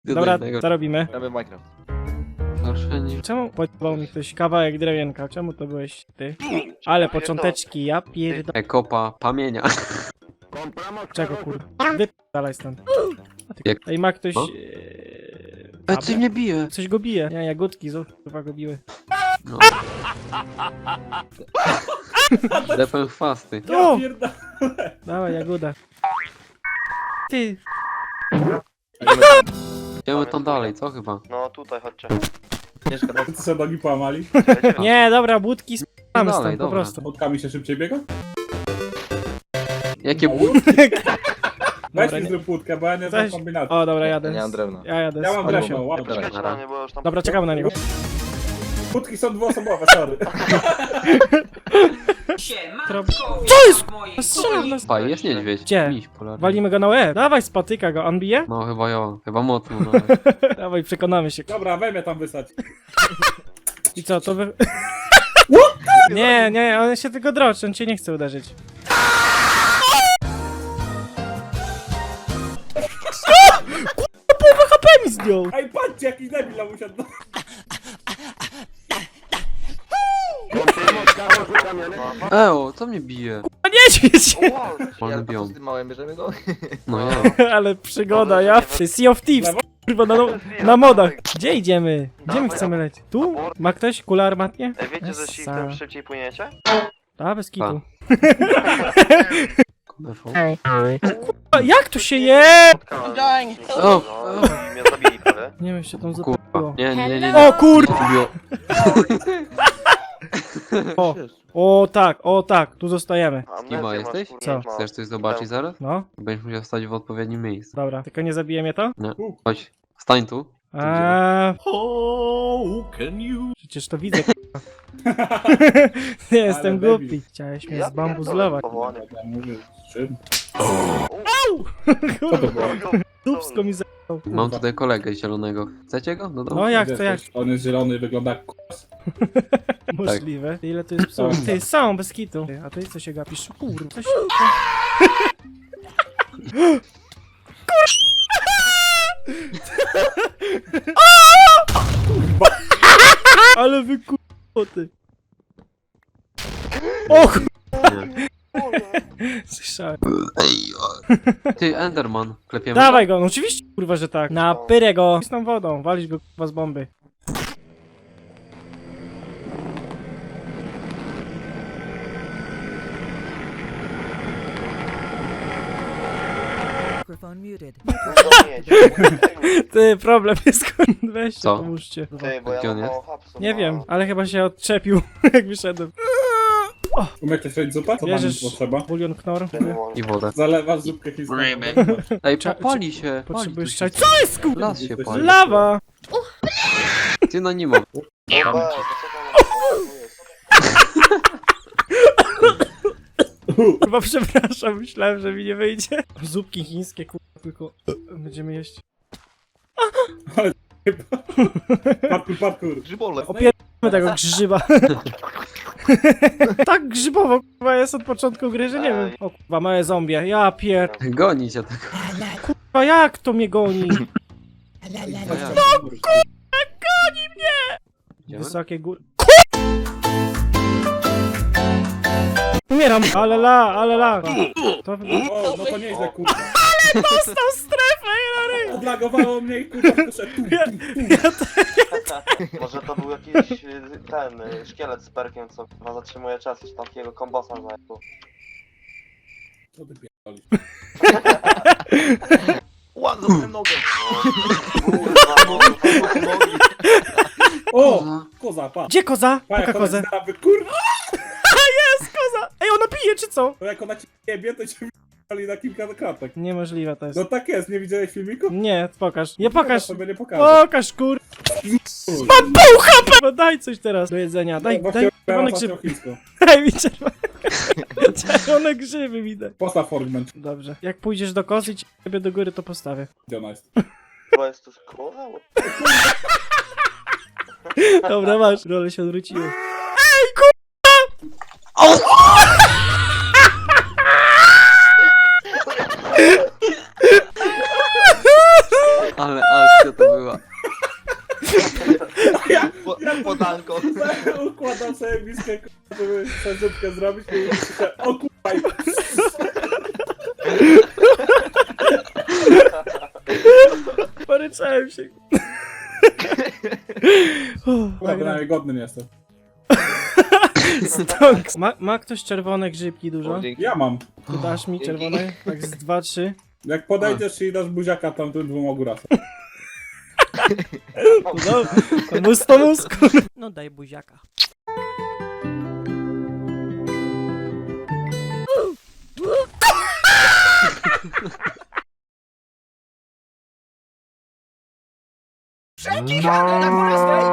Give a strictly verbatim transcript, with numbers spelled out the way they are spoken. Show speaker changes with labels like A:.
A: Dobra, co robimy?
B: Gramy w Minecraft.
C: Proszę nie.
A: Czemu podał mi ktoś kawałek drewienka? Czemu to byłeś ty? Ale począteczki, ja pierdolę.
C: Ekopa pamienia.
A: Czego kur... Wypierdalaj stąd. A ty...
C: Jak-
A: Ej, ma ktoś...
C: Co?
A: Eee...
C: Ale coś mnie bije.
A: Coś go bije. Nie, jagódki, znów chyba go biły.
C: No. Depę chwasty.
A: O! Dawaj, jagoda. Ty,
C: Idziemy tam dalej, co chyba?
D: No tutaj chodźcie.
B: Mieszka tak.
E: Co sobie nogi połamali?
A: nie, dobra, budki spamy
C: Dalej,
A: stąd po
C: dobra.
A: prostu.
E: Budkami się szybciej biega?
C: Jakie
E: No,
C: but?
E: Weź
A: Dobra,
E: mi
A: nie-
E: zrób budkę, bo ja nie znam
A: Weź.
E: kombinacji.
A: o, dobra,
B: Ja
A: jadę.
B: nie mam
A: z-
B: drewna.
A: Ja jadę
E: Ja
A: z
E: mam
A: Olesią.
E: drewno, łap.
D: Czekajcie na mnie, bo już tam...
A: Dobra, czekamy na niego.
E: Budki są dwuosobowe, sorry.
A: Co jest? Strzelam nas.
C: Pa, jest niedźwiedź.
A: Gdzie?
C: Miś polarny.
A: Walimy go na łeb. Dawaj, spatyka go. On bije?
C: No chyba ja. Chyba mocno, no.
A: Dawaj, przekonamy się.
E: Dobra, weź mnie tam wysać.
A: I co, to wy... Nie, nie, on się tylko droczy, on cię nie chce uderzyć. Kurwa, połowę H P mi zdjął!
E: Ej, patrzcie, jakiś debil nam usiadł.
C: Eo, co mnie bije?
A: A niedźwiedź!
C: Wolny
B: Ja
C: biom.
B: z tym małym bierzemy go.
C: No ja.
A: Ale przygoda, ja... Ty Sea of Thieves, kurwa, na, na modach. Gdzie idziemy? Gdzie my chcemy lecieć? Tu? Ma ktoś kulę armatnie?
D: Ej, wiecie, że
A: Essa.
D: shiftem szybciej płyniecie?
A: A, bez kitu.
C: Kurwa.
A: A, jak tu się je?
C: O, o.
D: I mnie zabili prawie.
A: Nie wiem, się tam
C: Kurwa.
A: zapało.
C: Nie, nie, nie, nie.
A: O kur...
C: Bio.
A: O, o tak, o tak, tu zostajemy.
D: Amnezję
C: Kima
D: masz,
C: jesteś?
D: kurde,
A: Co?
D: no.
C: Chcesz coś zobaczyć zaraz?
A: No,
C: Będziesz musiał stać w odpowiednim miejscu.
A: dobra, tylko nie zabije mnie to?
C: Nie. Chodź, stań tu.
A: Eee, przecież to widzę, k***a. Nie jestem
E: debil.
A: głupi. Chciałeś mnie
D: Ja
A: zbambuzlować.
D: pierdolę, powołanie.
E: Ja mówię, z czym?
A: Kurwa,
E: to było?
A: dupsko mi za...
C: Mam tutaj kolegę zielonego. Chcecie go? No
A: No
C: dobra.
A: jak
E: Wiesz,
A: to jak?
E: On jest zielony i wygląda jak k***s.
A: Możliwe. Ile tu jest psów? Ty, są, bez kitu. A ty co się gapisz? Kurwa, coś... Kurwa! Ale wy kurwoty. O kurwa! Słyszałem.
C: Ty, Enderman. Klepiemy.
A: Dawaj go, no oczywiście kurwa, że tak. Na pyrę go. Z tą wodą, walić go kurwa z bomby.
F: Microphone muted.
A: Ty, problem jest kurwa, weźcie,
C: Co?
A: pomóżcie.
D: Ty, bo
C: Gdzie
D: ja
C: on
D: mam
C: jest?
D: mało hapsów.
A: Nie
D: no.
A: wiem, ale chyba się odczepił, jak wyszedłem.
E: Umiesz ktoś robić zupę? Co
A: Bierzesz
E: tam potrzeba?
A: bulion knor.
D: Nie mogę.
C: I wodę.
E: Zalewasz zupkę chińską.
C: Ej,
A: Cza-
C: popali się.
A: Potrzebujesz
C: Pali
A: czaj.
C: tu się.
A: Co jest kurwa?
C: Las się pali.
A: Lawa!
C: Ty no nie ma.
D: Weź, to co tam jest?
A: Kurwa, przepraszam, myślałem, że mi nie wyjdzie. Zupki chińskie, kurwa, tylko będziemy jeść.
E: Parkour, parkour.
B: Grzybole.
A: Opieramy tego grzyba. Tak grzybowo, kurwa, jest od początku gry, że nie wiem. O kurwa, małe zombie, ja pier...
C: Goni cię tak.
A: Kurwa, jak to mnie goni?
C: No
A: Goni mnie!
C: Idziemy?
A: Wysokie góry. Umieram, ale la, ale la. To...
E: O, no to nieźle, kurwa.
A: Dostał strefę, Hilary!
E: Odlagowało mnie i kurwa poszedł. Tu, tu, tu.
D: Może to był jakiś y, ten y, szkielet z perkiem, co chyba zatrzymuje czas, już takiego kombosa znajdą.
E: Co ty pierdolisz?
B: Ładno dostałem nogę.
E: O! Koza, pa.
A: Gdzie koza?
E: Pa,
A: Poka
E: jak ona
A: kozę.
E: ci da- kurwa!
A: Jest koza! Ej, ona pije, czy co?
E: To jak ona ci jebie, to cię wyjebali na kilka kratek.
A: Niemożliwe to jest.
E: No tak jest, nie widziałeś filmiku?
A: Nie, pokaż. Nie pokaż.
E: sobie nie pokażę.
A: Pokaż, kur... Mam pół H P! No daj coś teraz do jedzenia. Daj,
E: No,
A: daj czerwone
E: właśnie
A: grzyby.
E: chińską.
A: Daj mi czerwone... czerwone grzyby mi daj.
E: Postaw fragment,
A: Dobrze. Jak pójdziesz do kozy i ciebie do góry, to postawię.
E: gdzie ona jest.
D: Chyba jest to szkoła?
A: Dobra, masz. Role się odwróciły.
C: Ale akcja była.
B: Po, podanko.
E: Układam sobie miskę, k***a, żeby sobie zupkę zrobić i myślę, o kurwa, i-
A: Poryczałem się.
E: Kurwa, bynajmniej godny nie jestem.
A: Stonks. Ma, ma ktoś czerwone grzybki dużo?
B: O, dzięki.
E: Ja mam.
A: Tu dasz mi czerwone? Tak z dwa, trzy.
E: Jak podejdziesz i dasz buziaka tam tym dwóm ogórasem.
A: No, mus to mus. No daj buziaka.
F: Wszelkich handel na górę